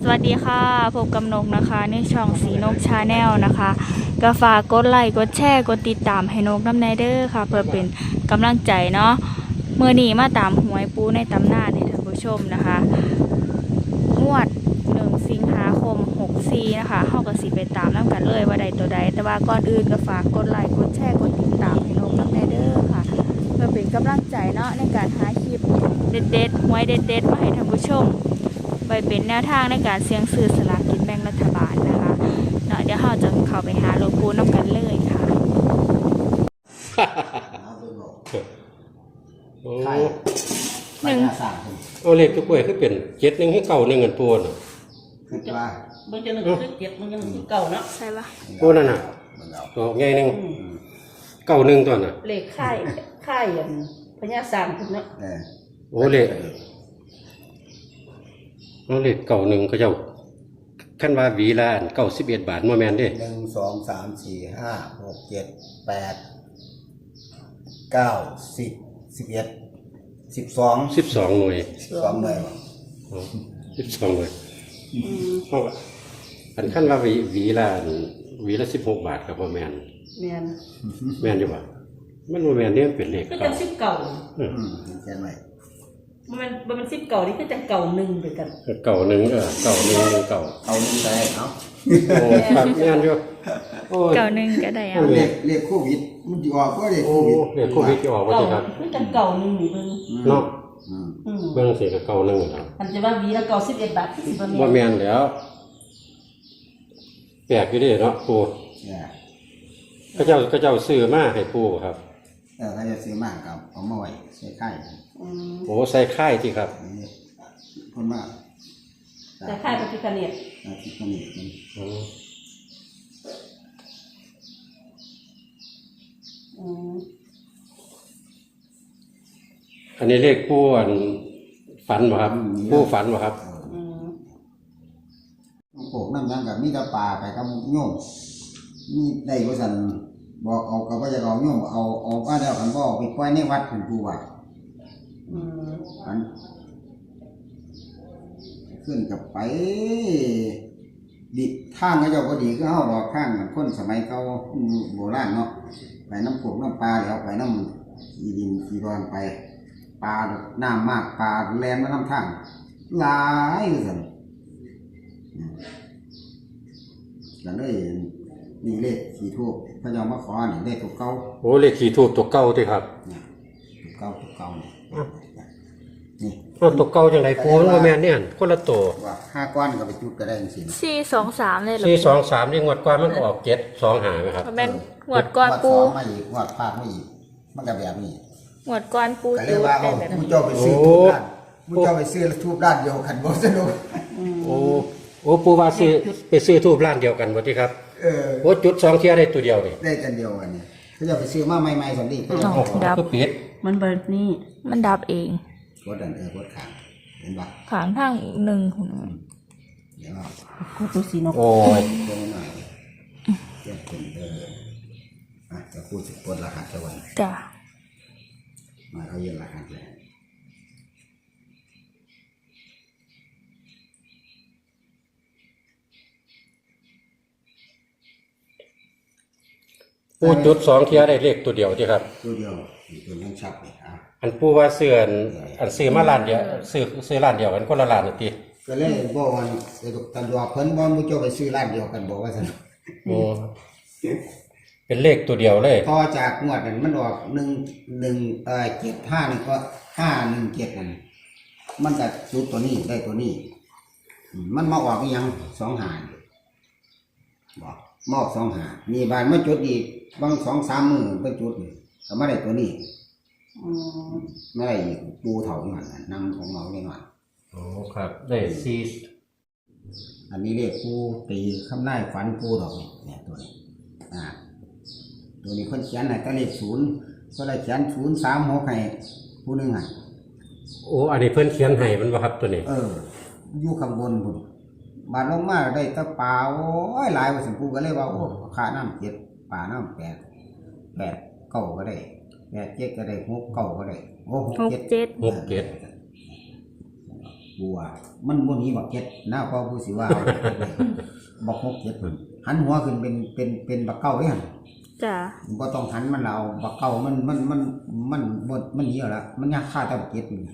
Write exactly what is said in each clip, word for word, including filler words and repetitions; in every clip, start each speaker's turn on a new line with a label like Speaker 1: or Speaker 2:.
Speaker 1: วัสดีค่ะพบกับนกนะคะในช่องสีนกชาแนลนะคะก็ฝากกดไลค์กดแชร์กดติดตามให้นกน้ำในเด้อค่ะเพื่อเป็นกำลังใจเนาะเมื่อนี้มาตามหวยปูในตำนานให้ท่านผู้ชมนะคะงวดหนึ่งสิงหาคมหกสี่นะคะเฮาก็สิไปตามน้ำกันเลยว่าใดตัวใดแต่ว่าก่อนอื่นก็ฝากกดไลค์กดแชร์กดติดตามให้นกน้ำในเด้อค่ะเพื่อเป็นกำลังใจเนาะในการหาคลิปเด็ดๆหวยเด็ดๆมาให้ท่านผู้ชมไปเป็นแนวทางในการเสี่ยงซื้อสลากกินแบ่งรัฐบาลนะคะเนาะเดี๋ยวเราจะเข้าไปหาหลวงปู่น้ำกันเลยค่ะ
Speaker 2: โอ้
Speaker 1: หนึ่ง
Speaker 2: เอาเลขทุกเวยคือเป็นเจ็ดหนึ่งให้เก่าหนึ่งเงินปูน่ะ
Speaker 3: คือว่า
Speaker 4: มันจะหนึ่งคือเจ็ดมันยังคือเก่าเนาะ
Speaker 1: ใช่ปะ
Speaker 2: ปูนั่นน่ะตัวใหญ่หนึ่งเก่าหนึ่งตัวน่ะ
Speaker 4: เลขค่ายค่ายอย่างพญาสามคุณเนาะ
Speaker 3: เออ
Speaker 2: โอ้เลขเอาเลขเก่าหนึ่งเขาเจ้าขั้นว่าหวีละอันเก้าสิบเอ็ดบาทมาแมนเด้
Speaker 3: หนึ่งสองสามสี่ห้าหกเจ็ดแปดเก้าสิบสิบเอ็ดสิบสอง
Speaker 2: สิบสองหน่วย
Speaker 3: สิบสองเลย
Speaker 2: สิบสองหน่วยเพราะว่าอันขั้นว่าหวีหวีละอันหวีละสิบหกบาทกับมาแมน
Speaker 4: แม่น
Speaker 2: แมนอยู่ป่ะมันมาแมนเนี่ยมันเป็นเลข
Speaker 4: ก็
Speaker 2: เก่า
Speaker 4: จังสิบเก่า
Speaker 2: อืม
Speaker 3: อืมเห็นไหม
Speaker 4: มันมันมันสิบเก่านี่คือจังเก่าหนึ่งด้วยกัน
Speaker 2: เก่าหนึ่งเออเก่าหนึ่งหนึ่งเก่า
Speaker 3: เอาหนึ่งใส่เนาะ
Speaker 2: โอ้ครับแม่นอยู่โอ้ย
Speaker 1: เก่าหนึ่งก็ได้เอา
Speaker 3: เรียกเรียกโควิดมันจะออกก็เรียก
Speaker 2: โอ้
Speaker 3: โควิด
Speaker 2: เรียกโควิดจะออกว่า
Speaker 4: เก่า
Speaker 2: สิครับ
Speaker 4: คือจังเก่าหนึ่งนี่เบิ่ง
Speaker 2: เนาะ
Speaker 3: อืม
Speaker 4: อืม
Speaker 2: เบื้องเสียกับเก่าหนึ่งครับ
Speaker 4: มันจะว่าวีละเก่าสิบเอ็ดบาทที่สิบแม่
Speaker 2: ว่าแม่นแล้วแปลกอยู่เดิเนาะปู
Speaker 3: เนี่ย
Speaker 2: พระเจ้าพระเจ้าซื้อมาให้ปูครับ
Speaker 3: เออเขาจะซื้อมากกับเอามาไว้ใส่ไข่
Speaker 4: อืม
Speaker 2: โอ้ใส่ค่ายที่ครับ
Speaker 3: อันนี้คนมาก
Speaker 4: แต่ค่ายปฏิคเนต
Speaker 3: อาทิตย์นี้มัน
Speaker 2: อืม
Speaker 4: อืม
Speaker 2: อันนี้เลขปูอันฝันบ่ครับปูฝันบ่ครับ
Speaker 4: อืม
Speaker 3: ปลูกน้ำยังกับมีแต่ปลาไปกับโยมมีได้ก็สั่นบอกเอากับว่าจะเอาโยมเอาเอาว่าแล้วกันบอกไปปล่อยในวัดถึงปูว่า
Speaker 4: อืม
Speaker 3: อันขึ้นกับไปดิทางก็เจ้าก็ดีก็เฮาดอกข้างเหมือนคนสมัยเก่าโบราณเนาะไปน้ำปลูกน้ำปลาแล้วไปน้ำอีดินอีรอนไปปลาน้ำมากปลาแรงมาน้ำทางหลายก็สั่นก็เลยนี่เลขขี่ทูบพระเจ้ามาขอนี่เลขตัวเก่า
Speaker 2: โอ้เลขขี่ทูบตัวเก่าที่ครับ
Speaker 3: เนี่ยตัวเก่าตัวเก่าเนี่ยนี่
Speaker 2: เอาตัวเก่าจังไดปูมันบ่แม่นเนี่ยคนละตัว
Speaker 3: ว่าห้าก้อนก็ไปจุดก็ได้จริง
Speaker 1: สี่สองสามเลยเหรอ
Speaker 2: สี่สองสามนี่งวดกว่ามันก็ออกเจ็ดสองหาไหมครับ
Speaker 1: เพราะแม่นหวดก้อนปู
Speaker 3: งวดสองมาอีกงวดภาคมาอีกมันก็แบบนี้
Speaker 1: หวดก้อนปู
Speaker 3: ก็เรี
Speaker 1: จู
Speaker 3: ยก
Speaker 1: ด
Speaker 3: ว่า
Speaker 1: ได้
Speaker 3: เอา
Speaker 1: แบบ
Speaker 3: ผู้
Speaker 1: นี้
Speaker 3: เจ้าไปซื้อทูบด้านผู้เจ้าไปซื้อทูบด้านเดียวกันบ่สนุก
Speaker 2: โอ้โอ้ปูว่าซื้อไปซื้อทูบร้านเดียวกันบ่ที่ครับ
Speaker 3: เออ
Speaker 2: โอ้จุดสองเที่ยได้ตัวเดียวนี่
Speaker 3: ได้กันเดียวกันนี่เขาจะไปซื้อมาใหม่ๆสันดีเขาจะ
Speaker 1: อ๋อดับ
Speaker 2: ก็ปิด
Speaker 4: มันเบิดนี่
Speaker 1: มันดับเอง
Speaker 3: กดดันเออกดขางเห็นปะ
Speaker 1: ขางทางหนึ่งของมัน
Speaker 3: เดี๋ยวเอา
Speaker 4: กูตัวสีนก
Speaker 2: โอ้ย
Speaker 3: เดี๋ยวหน่อยเดี๋ยวเป็นเอออ่ะจะพูดถึงกดรหัสตะวัน
Speaker 1: จ้ะ
Speaker 3: มาเขาเย็นรหัสเลย
Speaker 2: ปูจุดสองเที่ยได้เลขตัวเดียวที่ครับ
Speaker 3: ตัวเดียวมีตัวนั้นชัดเลยอ่ะ
Speaker 2: อันปูว่าเสื้ออันอันซื้อมาร้านเดียวซื้อซื้อร้านเดียวกันคนละร้านน่ะติ
Speaker 3: ก็เลยบอกว่าเดี๋ยวตันดอกเพิ่นบ่มูเจ้าไปซื้อร้านเดียวกันบอกว่าซั่น
Speaker 2: โอ้เป็นเลขตัวเดียวเลย
Speaker 3: ต่อจากงวดนั้นมันออกหนึ่งหนึ่งเอ่อเจ็ดห้าหนึ่งก็ห้าหนึ่งเจ็ดนั่นมันก็จุดตัวนี้ได้ตัวนี้อืมมันมาออกอีหยังสองหาบอกมอกสองหามีบานมาจุดอีกบางสองสามมือเป็นจุดนี่ก็ไม่ได้ตัวนี้
Speaker 4: อืม
Speaker 3: ไม่ได้อีกปูเถาหน่อยนำของเราเนี่ยหน่อย
Speaker 2: โอ้ครับได้สี่
Speaker 3: อันนี้เรียกปูตีคำนายฝันปูดอกนี่เนี่ยตัวนี้อ่าตัวนี้คนเขียนให้ก็เลขศูนย์ก็เลยเขียนศูนย์สามหกให้ผู้หนึ่งให้
Speaker 2: โอ้อันนี้เพิ่นเขียนให้มันบ่ครับตัวนี้
Speaker 3: เอออยู่ข้างบนบุญบาดลงมาได้ตะปลาโอ้ยหลายว่าสัมปูก็เลยว่าโอ้ขาน้ำเจ็ดปลาน้ำแปดแปดเก้าก็ได้แปดเจ็ดก็ได้หกเก้าก็ได้โอ้หก
Speaker 1: หก
Speaker 3: เจ็ด
Speaker 1: เจ็ด
Speaker 2: หกเจ็ด
Speaker 3: บัวมันบ่หนีบักเก็ดหน้าพ่อผู้สิว่าเอาเก็ดเลยบักหกเก็ดหันหัวขึ้นเป็นเป็นเป็นบักเก้าเด้หั่น
Speaker 1: จ้ะ
Speaker 3: บ่ต้องหันมันเอาบักเก้ามันมันมันมันบ่มันหนีเอาละมันยากฆ่าแต่บักเก็ดนี่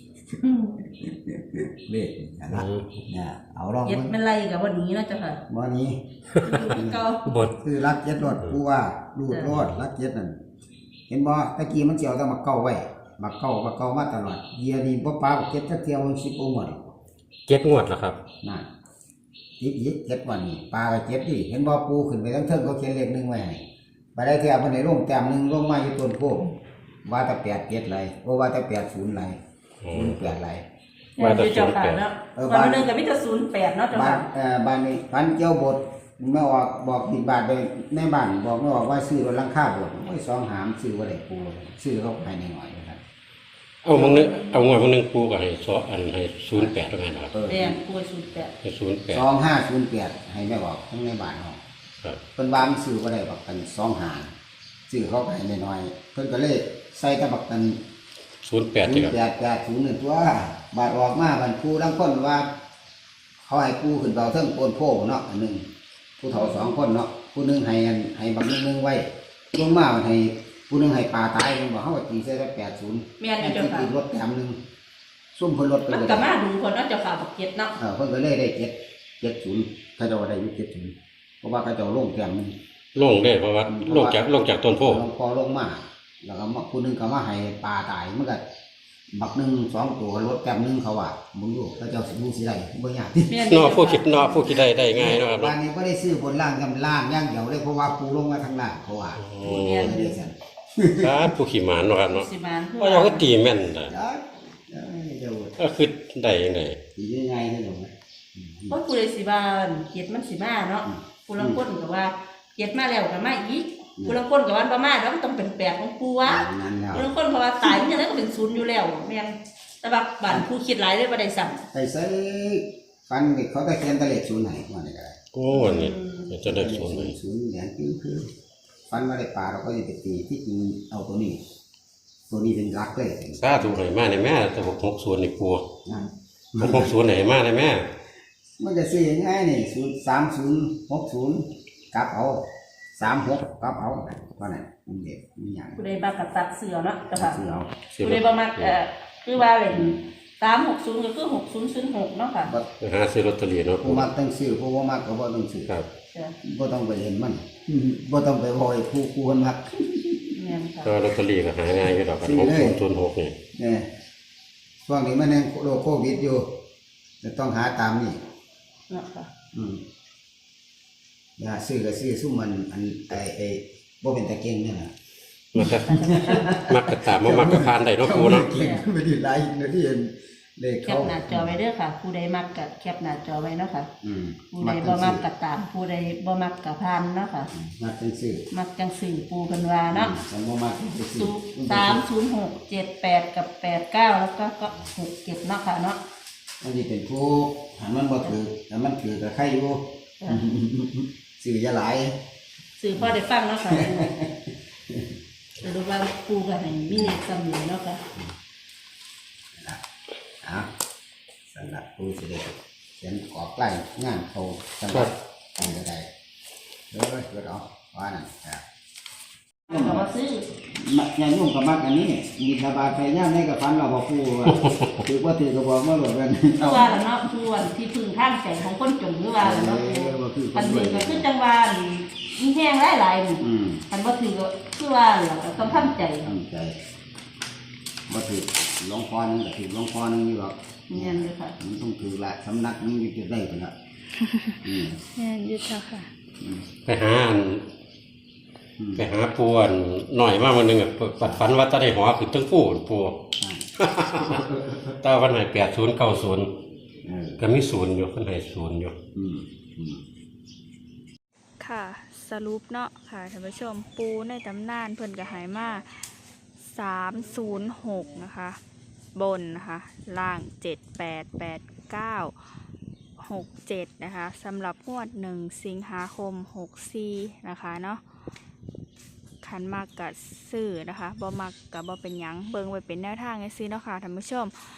Speaker 3: เลขนั่นล่ะเนี่ยเอาลอง
Speaker 4: เย็ด
Speaker 3: มัน
Speaker 4: ไม่ไล่กับวันนี้เนาะเจ้าค่ะ
Speaker 3: บ่หนี้
Speaker 4: คือเก่า
Speaker 2: บท
Speaker 3: คือรักเจ็ดรถผู้ว่ารูดรถรักเจ็ดนั่นเห็นบ่ตะกี้มันสิเอาแต่บักเก้าไว้บักเก้าบักเก้ามาตลอดเยียนี่บ่ปาบักเจ็ดจักเที่ยวสิบองวด
Speaker 2: เจ็ดงวดแล้วครับ
Speaker 3: นั่นอีกอีกเจ็ดวันนี่ปลาก็เจ็ดดิเห็นบ่ปูขึ้นไปทั้งเทิงเขาเขียนเลขหนึ่งไว้ให้ไปได้เที่ยวเพิ่นให้ลงแต้มหนึงลงมาอยู่ต้นโพว่าแต่แปดเจ็ดไรโอ้ว่าแต่แปดศูนย์ไรศูนย์แปดไร
Speaker 2: ว่าแต่
Speaker 4: เจ้าค่ะเนาะวันนึงกับมิตรศูนย์แปดเนาะเจ้า
Speaker 3: บ้าน
Speaker 4: ค่ะ
Speaker 3: เอ่อบ้านนี้พันเจ้าบทไม่ออกบอกบิดบาทไปในบ้านบอกไม่ออกว่าซื้อรถลังค่าบทโอ้ยสองหามซื้อบ่ได้ปูซื้อเขาภายในหน่อยนะครับ
Speaker 2: เอามึงนึงเอางวดมึงนึงปูก็ให้ซออันให้ศูนย์แปดแล้วไงนะครับ
Speaker 3: เออ
Speaker 4: แดงป่วยศูนย์แปด
Speaker 2: ให้ศูนย์แปด
Speaker 3: สองห้าศูนย์แปดให้ไม่ออกทั้งในบ้านเฮา
Speaker 2: ครับ
Speaker 3: เพิ่นว่ามันซื้อบ่ได้บักกันสองหาซื้อเขาภายในหน่อยเพิ่นก็เลยใส่ตะบักกัน
Speaker 2: ศูนย์แปด
Speaker 3: ศู
Speaker 2: ที่
Speaker 3: น
Speaker 2: ครั
Speaker 3: ย์
Speaker 2: บ
Speaker 3: แปดแปดศูนย์หนึ่งตัวบาดออกมาบันครูทั้งคนว่า เขาให้ครูขึ้นเบาเทิงโกนโพเนาะอันหนึ่งผู้เฒ่าสองคนเนาะผู้หนึงให้อันให้บักหนึงหนึงไว้ลงมามันให้ผู้หนึงให้ปลาตายมันบอกเขาว่าตีใส่แปดศูนย์
Speaker 4: แม่นอยู่เจ้าค่ะ
Speaker 3: ตีรถแถมหนึ่งซุ่มเพิ่นรถไป
Speaker 4: มัน
Speaker 3: เลย
Speaker 4: กับมาดูคนเนาะเจ้าค่ะบักเก็ตเนาะ
Speaker 3: เออเพิ่นก็เลยได้เจ็ดเจ็ดศูนย์เขาเจะได้อยู่เจ็ดศูนย์เพราะว่าเขาเจะลงแถมหนึง
Speaker 2: ลงได้เพราะว่าลงจากลงจากต้นโพ
Speaker 3: ลงพอลงมาแล้วก็มาผู้หนึงก็มาให้ปลาตายมันก็บักหนึ่งสองตัวรถแถมหนึงเขาว่ามึงอยู่เขาเจ้าสิบูสิได้บ่ยาก
Speaker 4: แม่น
Speaker 2: นอผู้คิดนอผู้คิดได้ได้ง่ายเนาะครับ
Speaker 3: บ้า
Speaker 2: เนาะ
Speaker 3: นนี้ก็ได้ซื้อบนล่างกำล่างอย่างเดียวเลยเพราะว่าปูลงมาทางล่างเขาว่า
Speaker 2: โอ้
Speaker 3: แม่นเลยสั่น
Speaker 2: ครับผู้ขี่หมานเนาะครับเนาะ
Speaker 4: สิมาน
Speaker 2: ว่าเราก็ตีแม่นได้
Speaker 3: เอ้ยเอ้ยเดี๋ยว
Speaker 2: ก็คือได้ยังไง
Speaker 3: ตียังไงเนี่ยหนู
Speaker 4: เพราะผู้ใดสิบานเก็ตมันสิมาเนาะผู้ละคนก็ว่าเก็ตมาแล้วก็มาอีกผู้ละคนก็ว่าบ่มาแล้วมันต้องเป็นแปดของปูวะ
Speaker 3: นั่นแล้ว
Speaker 4: ผู้ละคนเพราะว่าตายมันยังไงก็เป็นศูนย์อยู่แล้วแม่นแต่ว่าบ้านผู้คิดหลายเลยบ่ได้สั่ง
Speaker 3: ไปใส่ฟันเขาตะเคียนตะเล็ดศูนย์ไหนว่าไหนก็ได้
Speaker 2: โอ้นี่จะได้ศูนย์เลย
Speaker 3: ศูนย์เหรียญคือคือฟันมาได้ปลาเราก็จะไปตีที่จริงเอาตัวนี้ ตัวนี้เป็นรักเลย
Speaker 2: สาธุให้มาในแม่แต่หกหกศูนย์นี่ปู
Speaker 3: นั่น
Speaker 2: หกหกศูนย์ให้มาในแม่
Speaker 3: มันจะซื้อยังไงนี่ศูนย์สามศูนย์หกศูนย์กลับเอาสามหกกลับเอาเท่านั้นมันเด็กมีอย่าง
Speaker 4: ผู้ใดมากกับตัดเสือเนาะเจ้าค่ะ
Speaker 3: ซื้อเอา
Speaker 4: ผู้ใดบ่มักเอ่อคือว่าเล่นสามหกศูนย์ก็คือหกศูนย์ศูนย์หกเนาะค่ะ
Speaker 3: บ่
Speaker 2: ไปหาซื้อลอตเตอรี่เนาะปู
Speaker 3: ผู้มักต้องซื้อผู้บ่มักก็บ่ต้องซื้อ
Speaker 2: ครับ
Speaker 4: จ้ะ
Speaker 3: บ่ต้องไปเห็นมันบ่ต้องไปบ่อยผู้ผู้คนมัก
Speaker 4: แม่นค่ะ
Speaker 2: ก็ลอตเตอรี่ก็หาง่ายอยู่ดอกกันหกศูนย์ศูนย์หกนี่
Speaker 3: เนี่ยช่วงนี้มันยังโรคโควิดอยู่จะต้องหาตามนี่
Speaker 4: เนาะค่ะ
Speaker 3: อืมอย่าซื้อก็ซื้อซุ่มมันอันไอ้ไอ้บ่เป็นตะเก่งนี่น่ะ
Speaker 2: มันก็มักกระตามมามักกระพานได้เนาะปูเนาะ
Speaker 3: เก่งไม่ได้หลายนาทีเห็นเลข
Speaker 4: แค
Speaker 3: เขา
Speaker 4: ปหน้าจอไว้เด้อค่ะ ผู้ใดมักกับแคปหน้าจอไว้เนาะค่ะ
Speaker 3: อืม
Speaker 4: ผู้ใดบ่มักกับตาม ผู้ใดบ่มักกับพานเนาะค่ะ
Speaker 3: มักจังซื้อ
Speaker 4: มักจังสื่อปูเพิ่นว่าเนาะ
Speaker 3: ฉันบ่มักจังซื้อ
Speaker 4: ศูนย์สามศูนย์หกเจ็ดแปดกับแปดเก้าแล้วก็ก็หกเจ็ดเนาะค่ะเนาะ
Speaker 3: มันสิเป็นผู้หันมันบ่ถือแต่มันถือก็ใครอยู่
Speaker 4: จ้ะ
Speaker 3: ซื้ออย่าหลาย
Speaker 4: สื่อพอได้ฟังเนาะค่ะสรุปว่าปูก็ให้มีเลขซ้ำอยู่เนาะค่ะ
Speaker 3: นะอ่ะสำหรับผู้สิได้เขียนกรอบใกล้งานเขาสำหรับใครก็ได้เด้อเด้อเอาว่านั่นครับ
Speaker 4: ก็ว่าซื้อ
Speaker 3: มักยายุ่งกับมักอันนี้มีสบายไปย่างในกับฟันเราบอกผู้ว่าถือว่าถือกับบอกมาหลดกัน
Speaker 4: คือว่าล่ะเนาะคือวันที่พึ่งทางใจของคนจนคือว่าล่ะเนาะปูอันนี้ก็คือจังว่ามีแห้งหลายๆนี่
Speaker 3: อืม
Speaker 4: อันบ่ถือก็คือว่าล่ะก็ต้องทำใจ
Speaker 3: ตั้งใจว่าถือหลวงพ่อนึงกับถือหลวงพ่อนึงอยู่หรอก
Speaker 4: เนียนเลยค่ะ
Speaker 3: มันต้องถือละสำนักนึงอยู่จะได้กันละอืม
Speaker 1: แม่นอยุทธค่ะ
Speaker 3: อืม
Speaker 2: ไปหาอัน
Speaker 3: อืม
Speaker 2: ไปหาปูอันหน่อยมากวันหนึงอะปัดฝันว่าจะได้หัวขึ้นตั้งปูนปูตาวันไหนแปดศูนย์เก้าศูนย์
Speaker 3: เออ
Speaker 2: ก็มีศูนย์อยู่คนไหนศูนย์อยู่
Speaker 3: อืมอืม
Speaker 1: ค่ะสรุปเนาะค่ะท่านผู้ชมปูในตำนานเพิ่นก็ใหายมาสามศูนย์หกนะคะ บนนะคะล่างเจ็ดแปดแปดเก้าหกเจ็ดนะคะสำหรับงวดหนึ่งสิงหาคมหกสี่นะคะเนาะขันมากกับซื้อนะคะบ่มักกับบ่เป็นหยังเบิ่งไว้เป็นแนวทางไงซื้อเนาะค่ะท่านผู้ชม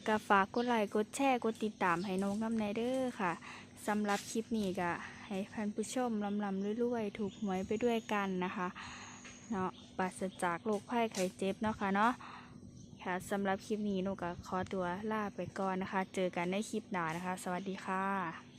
Speaker 1: ก็ฝากกดไลค์กดแชร์กดติดตามให้นกน้ำในเด้อค่ะสำหรับคลิปนี้ก็ให้ท่านผู้ชมลำลำรวยๆถูกหวยไปด้วยกันนะคะเนาะปราศจากโรคภัยไข้เจ็บเนาะค่ะเนาะค่ะสำหรับคลิปนี้นกก็ขอตัวลาไปก่อนนะคะ เจอกันในคลิปหน้านะคะ สวัสดีค่ะ